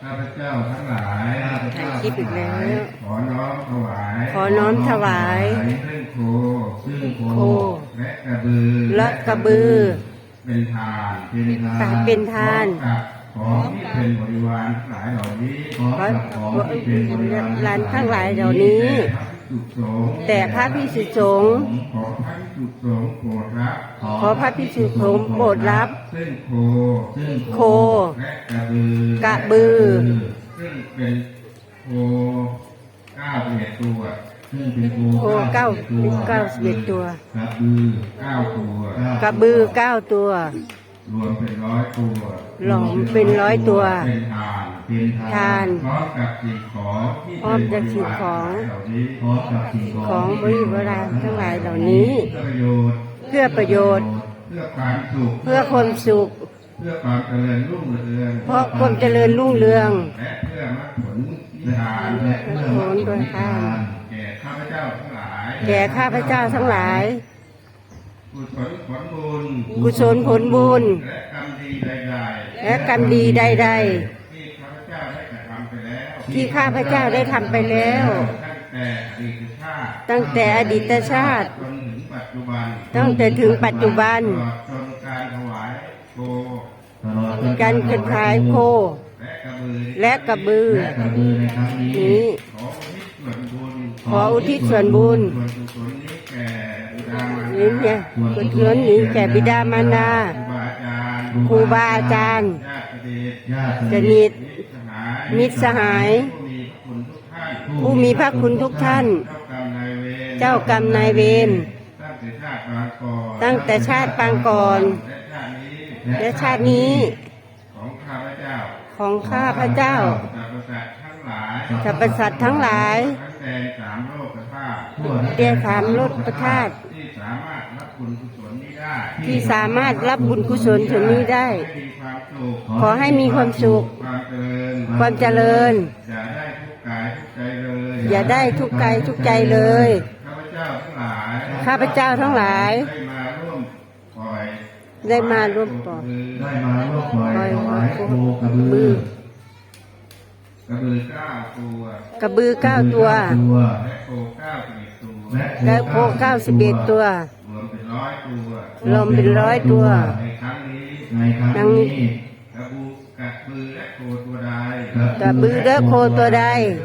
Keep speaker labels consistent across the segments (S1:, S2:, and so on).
S1: ข้าพเจ้าทั้งหลาย
S2: ถ่ายคลิปอีกแล้ว
S1: ขอน้อมถวาย
S2: ขอน้อมถวาย
S1: ซึ่งโค
S2: โค
S1: และกระบือ
S2: และกระบือ
S1: เป็นทาน
S2: เป็นทาน
S1: ของที่เป็นบริวารทั้งหลายเหล่านี้
S2: ขอที่เป็นบริวารทั้งหลายเหล่านี้ แต่พระภิกษุสงฆ์
S1: ขอพระภิกษุสงฆ์โปรดรับ
S2: ขอพระภิกษุสงฆ์โปรดรับ
S1: ซึ่งโค และกระบือ ซึ่งเป็นโค91ตัวซึ่งเป็นโค
S2: โค91ตัว
S1: กระบือ9ตัว
S2: กระบือ9ตัว
S1: รวมเป็น100ตัว
S2: รวมเป็น100ตัว
S1: เป็นทาน พร้อมกับสิ่งของที่
S2: พร้อมกับสิ่งของ
S1: เหล่านี้พร้อมกับสิ่งของ
S2: ของบริวารทั้งหลายเหล่านี้ เพื่อประโยชน์
S1: เพื่อความสุข
S2: เพื่อความสุข
S1: เพื่อความเจริญรุ่งเรือง
S2: เพราะความเจริญรุ่งเรือง
S1: และเพื่อมรรคผลนิพพาน
S2: และเพื่อมรรคผลนิพพาน
S1: แก่ข้าพเจ้าทั้งหลาย
S2: แก่ข้าพเจ้าทั้งหลาย
S1: กุศลผลบุญ
S2: กุศลผลบุญ
S1: และกรรมดีใดๆ
S2: และกรรมดีใด
S1: ที่ข้าพเจ้าได้กระทำไปแล้ว
S2: ๆ ที่ข้าพเจ้าได้ทำไปแล้ว
S1: ตั้งแต่อดีตชาติ
S2: ตั้งแต่อดีตชาติ
S1: จนถึงปัจจุบัน
S2: ตั้งแต่ถึงปัจจุบัน
S1: ตลอดจนการถวายโค
S2: การกระทายโค
S1: และกระบือ
S2: และกระบือ
S1: ในครั้งนี้
S2: นี้
S1: ขออุทิศส่วนบุญ
S2: ขออุทิศส่วนบุญ
S1: ส่วนกุศลนี้แก่บิดามารดา
S2: นี้เนี่ยกุศลนี้แก่บิดามารดา
S1: ครูบาอาจารย์
S2: ครูบาอาจารย์
S1: ญาติ
S2: สนิท
S1: มิตรสหาย
S2: ผู้มีพระคุณทุกท่าน
S1: เจ้ากรรมนายเวร
S2: ตั้งแต่ชาติปางก่อน และชาตินี้
S1: ของข้าพเจ้า
S2: สรรพสัตว์ทั้งหลาย
S1: ทั้งแดนสามโลกธาตุ
S2: เดชสามโลกธาตุ
S1: ที่สามารถรับบุญกุศลนี้ได้
S2: ที่สามารถรับบุญกุศลส่วนนี้ได้ ขอให้มีความสุข
S1: ความเจริญ
S2: ความเจริญ
S1: อย่าได้ทุกข์กายทุกข์ใจเลย
S2: อย่าได้ทุกข์กายทุกข์ใจเลย
S1: ข้าพเจ้าทั้งหลาย
S2: ข้าพเจ้าทั้งหลาย
S1: ได้มาร่วมปล่อย
S2: ได้มาร่วมปล่อยถวายโคกระบือก
S1: ระบือ9ตัว
S2: กระบือ9ตัว
S1: และโค91ตัว
S2: และโค91ตัว
S1: รวมเป็น100 ตัว
S2: รวมเป็น100 ตัว
S1: ในครั้งนี้ กระบือและโคตัวใด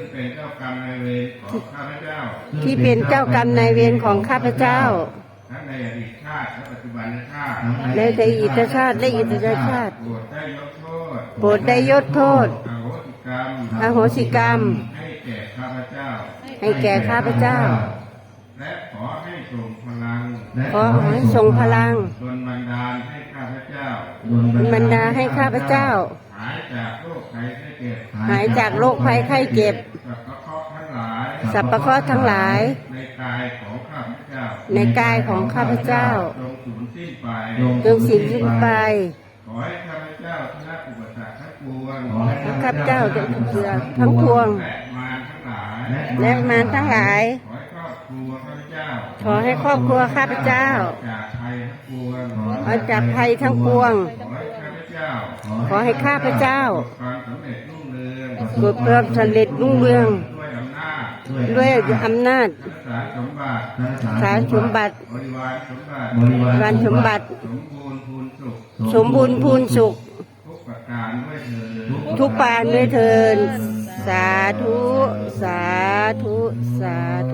S2: ที่เป็นเจ้ากรรมนายเวรของข้าพเจ้า
S1: ทั้งในอดีตชาติและปัจจุบันชาติ
S2: ในอดีตชาติและอิตชาติ
S1: โปรดได้ยกโทษ
S2: โปรดได้ยกโทษ
S1: อโหสิกรรม
S2: อโหสิกรรม
S1: ให้แก่ข้าพเจ้า
S2: ให้แก่ข้าพเจ้า
S1: และขอให้ส่งพลัง
S2: ขอให้ทรงพลัง
S1: ดลบันดาลให้ข้าพเจ้า
S2: บรรดาให้ข้าพเจ้า
S1: หายจากโรคภัยไข้เจ็บ
S2: หายจากโรคภัยไข้เจ็บ
S1: สัพพะเคราะห์ทั้งหลาย
S2: สัพพะเคราะห์ทั้งหลาย
S1: ในกายของข้าพเจ้า
S2: ในกายของข้าพเจ้า
S1: จงสูญสิ้นไป
S2: จงสิ้นไป
S1: ขอให้ข้าพเจ้าชนะอุปสรรคทั้งปวง
S2: ข้าพเจ้าจะเสือทั้งพวง
S1: และมารทั้งหลาย
S2: และมารทั้งหลาย
S1: ขอให้ครอบครัวข้าพเจ้า
S2: ขอให้ครอบครัวข้าพเจ้า
S1: จากภัยทั้งปวง
S2: ออกจากภัยทั้งปวง
S1: ขอให้ข้าพเจ้า
S2: ขอให้ข้าพเจ้า
S1: ความสำเร็จรุ่งเรือง
S2: เกิดความสำเร็จรุ่งเรือง
S1: ด้วยอำนาจ
S2: ด้วยอำนาจ
S1: สารสมบัติ
S2: สารสมบัติ
S1: บริวารสมบัติ
S2: สมบูรณ์พูนสุข
S1: ทุกประการด้วยเถิด
S2: ทุกปานด้วยเทินสาธุ สาธุ สาธุ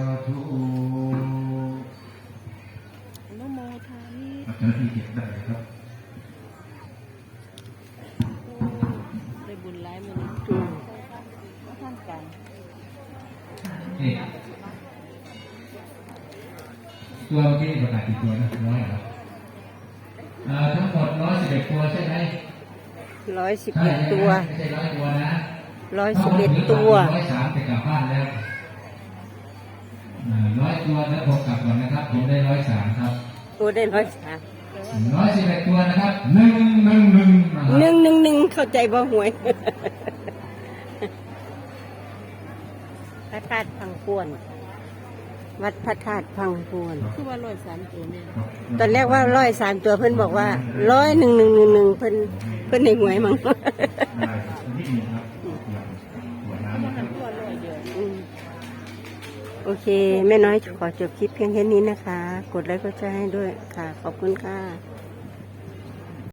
S3: นโมทามิ
S1: อาจารย์ที่เขียนได้ครับ
S3: ได้บุญหลายมื้อนี้ว่าท่านกัน
S4: นี่ตัวเมื่อกี้ประกาศกี่ตัวนะ100เหรอทั้งหมด111ตัวใช่ไหม
S2: 111 ตัว
S4: ไม่ใช่100 ตัวนะ
S2: 111 ตัว
S4: 103จะกลับบ้านแล้ว100 ตัวแล้วผมกลับก่อนนะครับผมได้103ครับ
S2: ตัวได้
S4: 111 ตัวนะครับ111นะครับ
S2: 111เข้าใจบ่หวย พระธาตุพังพวน วัดพระธาตุพังพวน
S3: คือว่า103ตัวนี่
S2: ตอนแรกว่า103 ตัวเพิ่นบอกว่า10111เพิ่นในหวยมั้ง
S4: นิดนึงครับหัวน้ำนะครับ
S2: อืมโอเค แม่น้อยขอจบคลิปเพียงแค่นี้นะคะ กดไลค์กดแชร์ให้ด้วยค่ะ ขอบคุณค่ะ